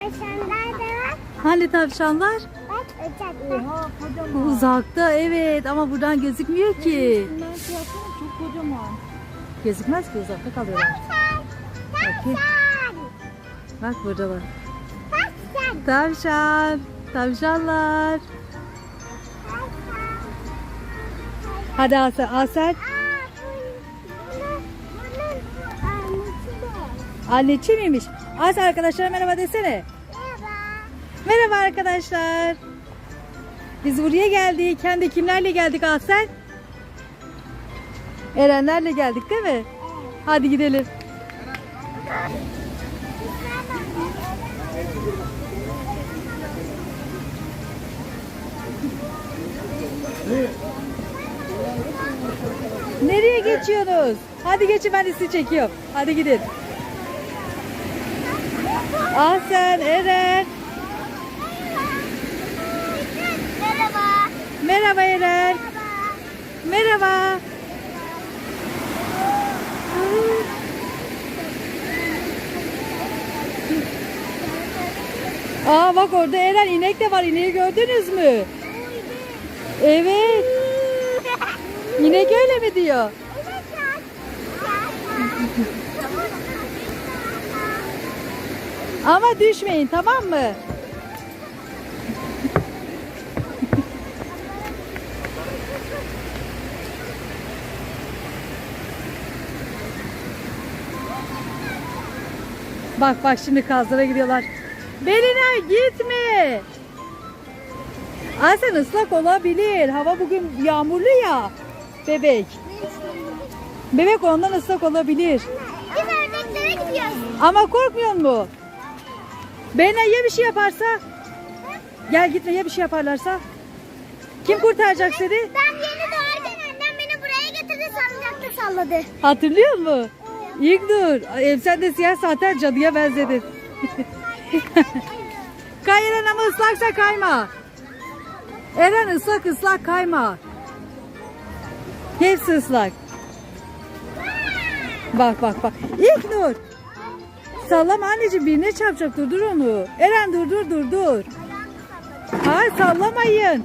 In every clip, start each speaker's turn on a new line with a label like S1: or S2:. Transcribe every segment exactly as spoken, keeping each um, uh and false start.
S1: tavşanlar da var.
S2: Hani tavşanlar?
S1: Bak uçakta.
S3: Oha kocaman.
S2: Uzakta, evet, ama buradan gözükmüyor ki.
S3: Bunlar yapsana çok kocaman.
S2: Gözükmez ki, uzakta kalıyorlar.
S1: Tavşan.
S2: Bakayım.
S1: Tavşan.
S2: Bak buradalar.
S1: Tavşan.
S2: Tavşan. Tavşanlar.
S1: Tavşan.
S2: Hadi Asel. Asel.
S1: Aa, bunun, bunun annesi de.
S2: Anneci miymiş? Asel, arkadaşlara merhaba desene.
S1: Merhaba.
S2: Merhaba arkadaşlar. Biz buraya geldik. Hem de kimlerle geldik Asel? Erenlerle geldik değil mi? Hadi gidelim. Nereye geçiyorsunuz? Hadi geçin, ben de sizi çekiyorum. Hadi gidin. Asel, Eren.
S1: Merhaba.
S2: Merhaba Eren. Merhaba. Aa bak, orada Eren, inek de var. İneği gördünüz mü? Evet. İnek öyle mi diyor? Ama düşmeyin, tamam mı? Bak bak, şimdi kazlara gidiyorlar. Beline gitme. Aa, sen ıslak olabilir. Hava bugün yağmurlu ya. Bebek. Bebek ondan ıslak olabilir.
S1: Biz ördeklere gidiyoruz.
S2: Ama korkmuyor mu? Beline ya bir şey yaparsa? Gel gitme, ya bir şey yaparlarsa? Kim kurtaracak seni?
S1: Ben yeni doğarken annem beni buraya getirdi, salıncakta salladı.
S2: Hatırlıyor musun? İlk dur. Em, sen de siyah zaten cadıya benzedin. Kay Eren, ama ıslaksa kayma. Eren, ıslak ıslak kayma. Hepsi ıslak. Bak bak bak. İlk Nur. Sallama anneciğim, birine çarpacak, durdur onu. Eren, dur dur dur dur. Hayır, sallamayın.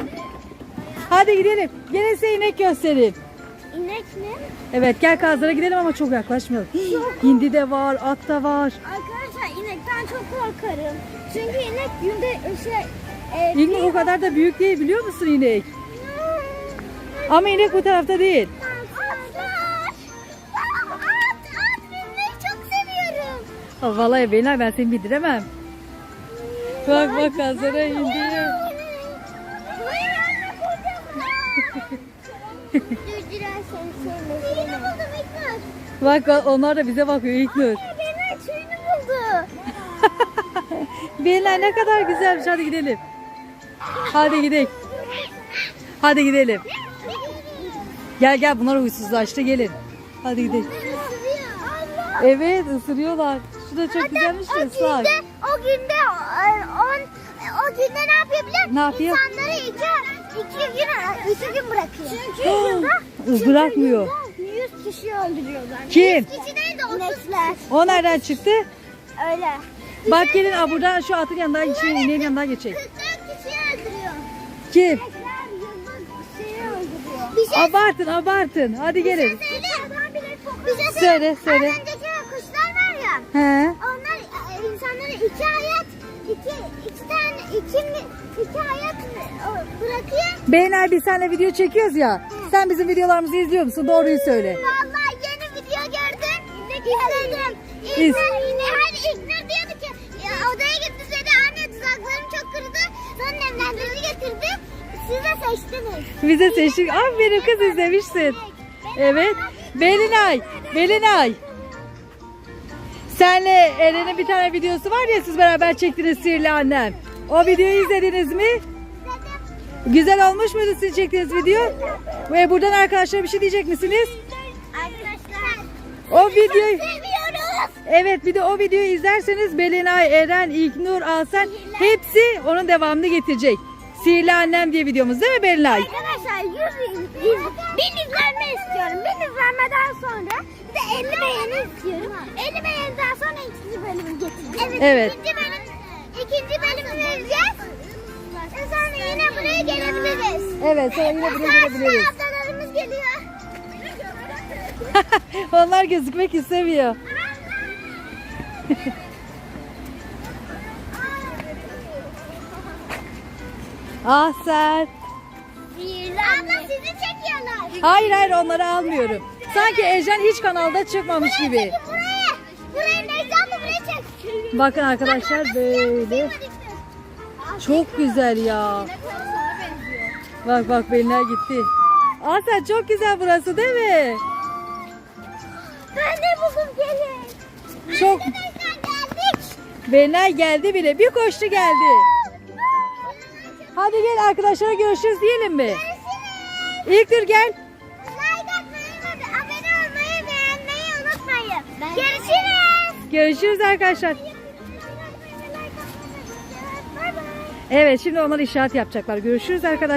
S2: Hadi gidelim. Gelin size inek göstereyim.
S1: İnek mi?
S2: Evet, gel kazlara gidelim ama çok yaklaşmayalım. Hindi de var, at da var.
S1: Arkadaşlar inekten çok korkarım. Çünkü inek günde şey... E,
S2: İlk o kadar da büyük değil, biliyor musun inek? Ama inek bu tarafta değil.
S1: Atlar. At, at binmeyi çok seviyorum.
S2: Ha, vallahi beyler, ben seni bindiremem. Bak bak, kazlara indi.
S1: Hayır anne, kocaman. Durdurarsan söyle. Suyunu buldum İlknur.
S2: Bak bak, onlar da bize bakıyor İlknur.
S1: Benim suyunu buldu.
S2: Beyler, ne kadar güzelmiş, hadi gidelim. Hadi gidelim. Hadi gidelim. Gel gel, bunlar huysuzlaştı, gelin. Hadi gidelim.
S1: Allah.
S2: Evet, ısırıyorlar. Şu da çok güzelmiş de
S1: O
S2: ıslak.
S1: günde, o günde, e, on, o günde ne yapıyor biliyor musun?
S2: Ne yapıyor?
S1: İnsanları iki, iki gün, iki gün bırakıyor. Çünkü yılda,
S2: Bırakmıyor.
S1: yüz kişi öldürüyorlar.
S2: Kim?
S1: yüz kişi değil de otuzlar.
S2: O nereden çıktı?
S1: Öyle.
S2: Bak gelin, aa, buradan şu atın yanından, şey, ineğin yanından geçecek.
S1: kırk dört kişi öldürüyor.
S2: Kim?
S1: Tekrar yılda şeyi öldürüyor. Bir şey
S2: Abartın abartın. Hadi gelin.
S1: söyleyeyim. Bir şey
S2: Söyle,
S1: söyleyeyim.
S2: söyle.
S1: Az önceki kuşlar var ya.
S2: He.
S1: Onlar e, insanlara iki hayat, iki, iki tane, iki, mi- iki hayat e, bırakıyor.
S2: Beyler, biz seninle video çekiyoruz ya. Sen bizim videolarımızı izliyor musun? Doğruyu söyle.
S1: Vallahi yeni video gördüm. İzledim.
S2: İz.
S1: İlknur, hani İlknur diyordu ki ya, odaya gitti dedi, anne tuzaklarım çok kırdı. Sonra nemlendirici getirdi. Siz de seçtiniz.
S2: Bize seçtik. Aferin kız, izlemişsin. Evet. Belinay. Belinay. Senle Eren'in bir tane videosu var ya, siz beraber çektiniz, Sihirli Annem. O videoyu izlediniz mi? Güzel olmuş muydu sizin çektiğiniz video? Ve buradan arkadaşlara bir şey diyecek misiniz?
S1: Arkadaşlar.
S2: O videoyu...
S1: Seviyoruz.
S2: Evet, bir de o videoyu izlerseniz Belinay, Eren, İlknur, Asel hepsi onun devamını getirecek. Sihirli Annem diye videomuz değil mi Belinay?
S1: Arkadaşlar yüz, yüz, bin izlenme istiyorum. Bin izlenmeden sonra bir de elli beğeni istiyorum. elli beğeniden sonra ikinci bölümü getireceğim. Evet.
S2: Evet.
S1: İkinci bölüm vereceğiz. E sonra yine buraya gelebiliriz.
S2: Evet, sonra yine buraya gelebiliriz.
S1: Ablalarımız geliyor.
S2: Onlar gözükmek istemiyor. Ah sen.
S1: Abla sizi çekiyorlar.
S2: Hayır hayır onları almıyorum. Sanki Ejder hiç kanalda çıkmamış gibi.
S1: Çekin buraya. Buraya Necla abla buraya çek.
S2: Bakın arkadaşlar böyle. Çok güzel ya. Bak bak Belinay gitti. Ah sen çok güzel burası değil mi?
S1: Ben de buldum gelin.
S2: Çok.
S1: Arkadaşlar geldik.
S2: Belinay geldi bile. Bir koştu geldi. Hadi gel arkadaşlar görüşürüz diyelim mi?
S1: Görüşürüz.
S2: İlk dur gel.
S1: Like atmayı ve abone olmayı beğenmeyi unutmayın. Görüşürüz.
S2: Görüşürüz arkadaşlar.
S1: Bay bay.
S2: Evet şimdi onlar işaret yapacaklar. Görüşürüz arkadaşlar.